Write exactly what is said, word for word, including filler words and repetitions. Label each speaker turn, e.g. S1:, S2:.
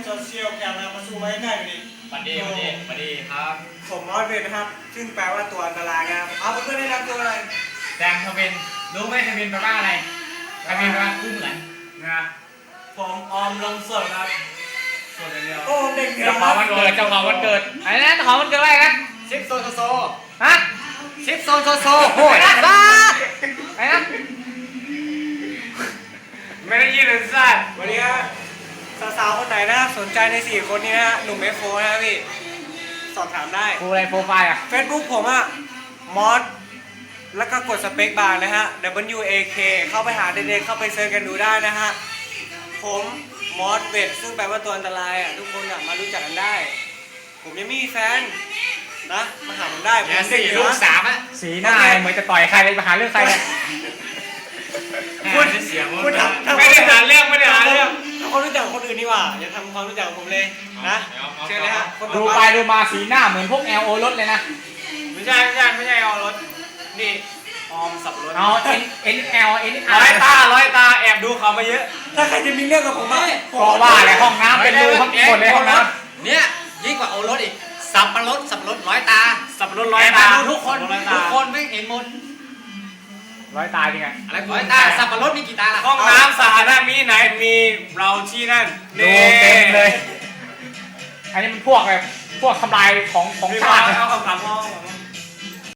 S1: โซเชียลแกนมาสู้ไว้ใกล้ๆดิ
S2: บัดดี้บัดดี้บัดดี้ครับ
S1: ผมมอสเวนนะครับซึ่งแปลว่าตัวอันตรายครับเอาเพื่อนๆได้รับตัวอะไร
S2: แดงทวินรู้ไหมทวินแปลว่าอะไรทวินแปลว่ากู้เหมือนนะผมออมลงสดครับสดเดียว
S1: โอ้เด็กเหนือ
S2: เจ้าของวันเกิดเจ้าของวันเกิดไอ้นั่นเจ้าของวันเกิดอะไรนะชิปโซโซโซฮะชิปโซโซโซโอ้ยบ้าไอ้นั่นไม่ได้ยินเลยสัตว์
S1: วันนี้ฮะสาวๆคนไหนนะสนใจในสี่คนนี้นะฮะหนุ่มเอฟโฟนะพี่สอบถามได้
S2: กูอะไรโปรไฟล์อ่ะ
S1: Facebook ผมอะมอสแล้วก็กดสเปคบาร์นะฮะ W A K เข้าไปหาเด็กๆเข้าไปเซิร์ชกันดูได้นะฮะผมมอสเวทซึ่งแปลว่าตัวอันตรายอะทุกคนอะมารู้จักกันได้ ผมยังไม่มีแฟนนะมาหาผมได้ผม
S2: เนี่ย
S1: เด็ก
S2: สี่
S1: เหนื
S2: ลู
S1: อก
S2: สามอ่ะสีหน้าเหมือนจะต่อยใครเลยมาหาเรื่องใครเนี่ย
S1: คุณ
S2: เสียง
S1: คุณทำทำ
S2: ไม่ได้หาเรื่องไม่ได้หาเรื่อง
S1: ทำความรู้จักกับคนอื่นดีกว่าอย่าทำความรู้จักกับผมเลยนะเชิญเลยฮะคนต่
S2: ดู
S1: อ
S2: ไปดูมาสีหน้าเหมือนพวก L O รถเลยนะ
S1: ไม่ใช่ไม่ใช่ไม่ใช่เอารถนี่ออมสับรถ
S2: เอา N N L N
S1: ร้
S2: R
S1: อยตาร้อยตาแอบดูเขามาเยอะ ถ้าใครจะมีเรื่องกับผมอะ
S2: ก็ว่าเลยห้องน้ำเป็นรูทั้งหมดเลยห้องน้
S3: เนี่ยยิ่งกว่าโอรสอีกสับปะรดสับปะรดร้อยตา
S1: สับรถร้อยตา
S3: แอบดูทุกคน
S1: ร้อยตา
S3: ทุกคนไม่เห็นหมด
S2: ำร้อยตาจริงไง
S3: อะไรร้อยตาสับปะรดมีกี่ตาล่ะ
S1: ห้องน้ำสาธารณะมีไหนมีเราที่นั่น
S2: ดูเต็มเลย อันนี้มันพวกแบบพวกทำลายของของ
S1: มี
S2: ชาติ
S1: เอาคำถามห้อง